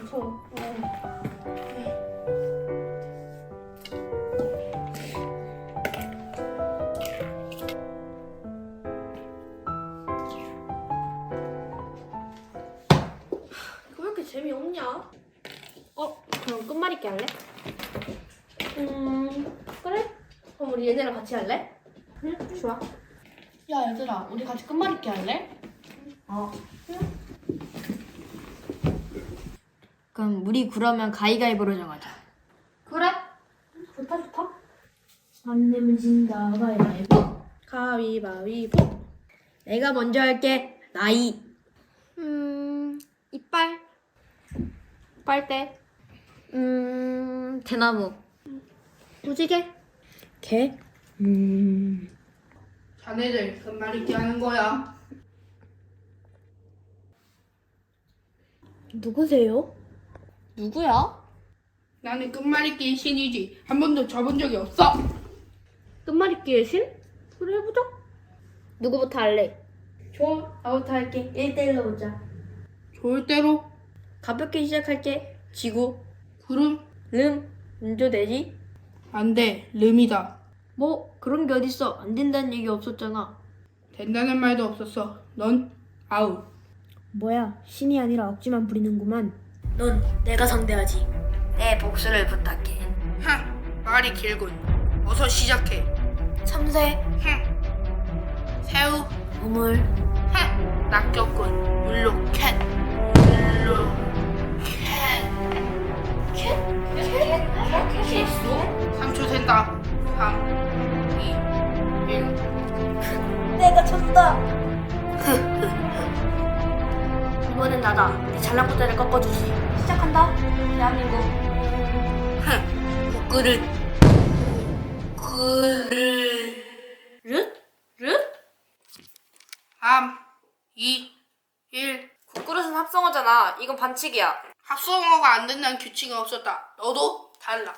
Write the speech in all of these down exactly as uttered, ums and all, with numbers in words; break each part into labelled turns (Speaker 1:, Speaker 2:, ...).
Speaker 1: 무서워. 왜 이렇게 재미없냐? 어? 그럼 끝말잇기 할래? 음... 그래? 그럼 우리 얘네랑 같이 할래? 응? 좋아. 야 얘들아, 우리 같이 끝말잇기 할래?
Speaker 2: 어. 그럼 우리 그러면 가위가위보로 정하자.
Speaker 1: 그래? 좋다 좋다. 안 내면 진다. 가위바위보. 가위바위보.
Speaker 2: 내가 먼저 할게. 나이. 음, 이빨.
Speaker 1: 빨대.
Speaker 2: 음, 대나무.
Speaker 1: 무지개.
Speaker 2: 개. 음,
Speaker 3: 자네들 끝말잇기 하는 거야.
Speaker 1: 누구세요?
Speaker 2: 누구야?
Speaker 3: 나는 끝말잇기의 신이지. 한 번도 져본 적이 없어.
Speaker 1: 끝말잇기의 신? 그래 해보자.
Speaker 2: 누구부터 할래?
Speaker 1: 좋아. 나부터 할게. 일 대일로 보자.
Speaker 3: 좋을 대로.
Speaker 2: 가볍게 시작할게. 지구.
Speaker 3: 구름.
Speaker 2: 름. 문조 되지?
Speaker 3: 안 돼. 름이다.
Speaker 2: 뭐 그런 게 어딨어. 안 된다는 얘기 없었잖아.
Speaker 3: 된다는 말도 없었어. 넌 아웃.
Speaker 1: 뭐야, 신이 아니라 억지만 부리는구만.
Speaker 2: 넌 내가 상대하지. 내 복수를 부탁해.
Speaker 3: 흥. 말이 길군. 어서 시작해.
Speaker 2: 참새.
Speaker 3: 흥. 새우.
Speaker 2: 우물.
Speaker 3: 흥. 낚였군. 물로 캣. 물로 캣.
Speaker 2: 캣? 캣? 캣이 있어?
Speaker 3: 삼 초 센다. 삼, 이, 일.
Speaker 2: 내가 쳤다. 이번엔 나다. 네 잘난 ቁ대를 꺾어주지. 시작한다. 대한민국.
Speaker 3: 흥. 국그릇. 그릇.
Speaker 2: 릇? 릇?
Speaker 3: 삼, 이, 일.
Speaker 2: 국그릇은 합성어잖아. 이건 반칙이야.
Speaker 3: 합성어가 안 된다는 규칙은 없었다. 너도 달라.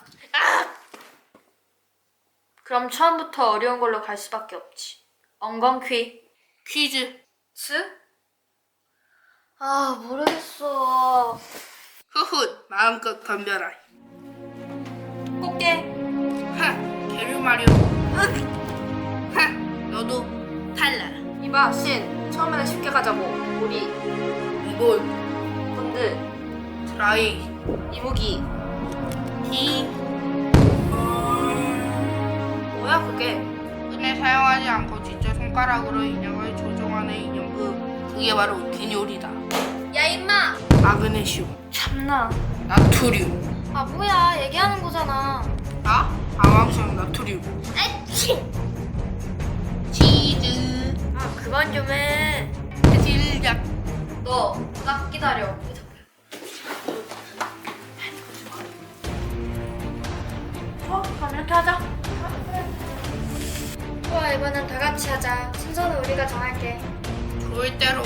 Speaker 2: 그럼 처음부터 어려운 걸로 갈 수밖에 없지. 엉겅퀴.
Speaker 3: 퀴즈.
Speaker 2: 스? 아, 모르겠어.
Speaker 3: 후훗. 마음껏 덤벼라.
Speaker 2: 꽃게.
Speaker 3: 흥. 게르마리오. 흥. 너도 달라.
Speaker 2: 이봐, 신. 처음에는 쉽게 가자고. 우리.
Speaker 3: 이볼.
Speaker 2: 본드.
Speaker 3: 트라이.
Speaker 2: 이무기.
Speaker 3: 티.
Speaker 2: 뭐야, 그게?
Speaker 3: 흔히 사용하지 않고 직접 손가락으로 인형을 조종하는 인형극. 그게 바로 기뇨리다.
Speaker 2: 야, 임마!
Speaker 3: 마그네슘.
Speaker 2: 참나.
Speaker 3: 나트륨.
Speaker 2: 아, 뭐야. 얘기하는 거잖아.
Speaker 3: 나? 방황성 나트륨.
Speaker 2: 에치!
Speaker 3: 치즈.
Speaker 2: 아, 그만 좀 해.
Speaker 3: 질약.
Speaker 2: 너, 딱 기다려. 어, 그럼 이렇게 하자. 좋아, 이번엔 다 같이 하자. 순서는 우리가 정할게.
Speaker 3: 좋을 대로.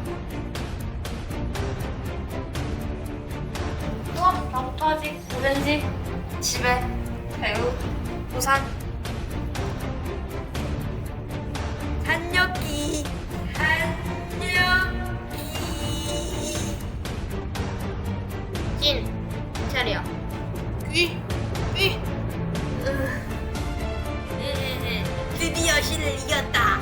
Speaker 2: 좋아, 나부터 하지. 오렌지, 집에, 배우, 부산. 한여기, 한여기. 찐, 차려.
Speaker 3: 귀. 귀.
Speaker 2: 드디어 신을 이겼다.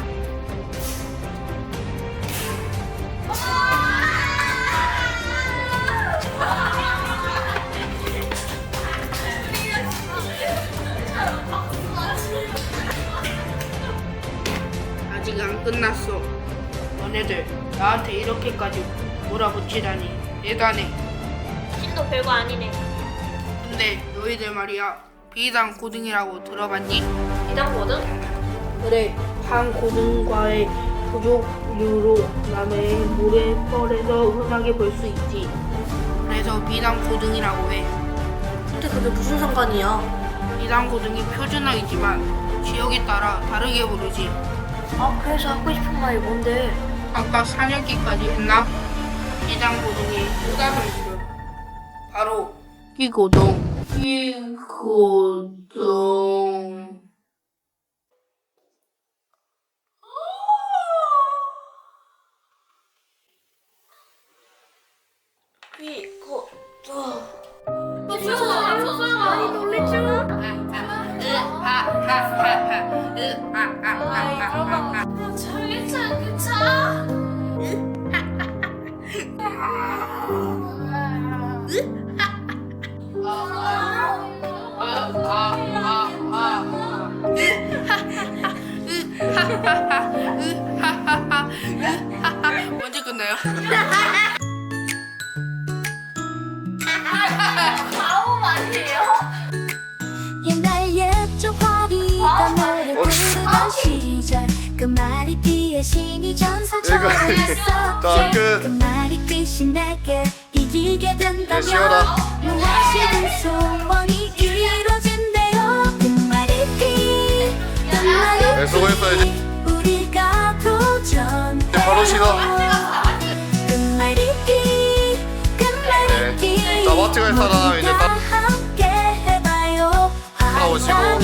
Speaker 3: 아직 안 끝났어. 너네들 나한테 이렇게까지 몰아붙이다니 대단해.
Speaker 2: 신도 별거 아니네.
Speaker 3: 근데 너희들 말이야. 비단 고등이라고 들어봤니?
Speaker 2: 비단거든?
Speaker 3: 그래. 한 고등과의 부족류로 남의 모래벌에서 흔하게 볼 수 있지. 그래서 비단 고등이라고 해.
Speaker 2: 근데 그게 무슨 상관이야?
Speaker 3: 비단 고등이 표준어이지만 지역에 따라 다르게 부르지.
Speaker 2: 아, 그래서 하고 싶은 말이 뭔데?
Speaker 3: 아까 사냥기까지 했나? 비단 고등의 후다른 이름 바로 끼고동. 끼고동.
Speaker 2: 이거 너 괜찮 괜찮.
Speaker 3: 언제 끝나요?
Speaker 2: 아우 아니에요?
Speaker 4: 옛날 옛적 화비가 노래 부르던 시절 그 말이기에 신이 전사처럼
Speaker 5: 자,
Speaker 4: 있었지
Speaker 5: 끝.
Speaker 4: 그 말이기시 내게 이기게 된다면
Speaker 5: 쉬어라.
Speaker 4: 무엇이든 소원이 이루어진대요 그 말이기 그
Speaker 5: 네,
Speaker 4: 말이기
Speaker 5: 수고했어야지.
Speaker 4: 우리가 도전해
Speaker 5: 바로 쉬어.
Speaker 4: 그 말이기 그 말이기
Speaker 5: 자, 마트 갈 사람 이제 다
Speaker 4: 함께 해봐요
Speaker 5: 나오시고.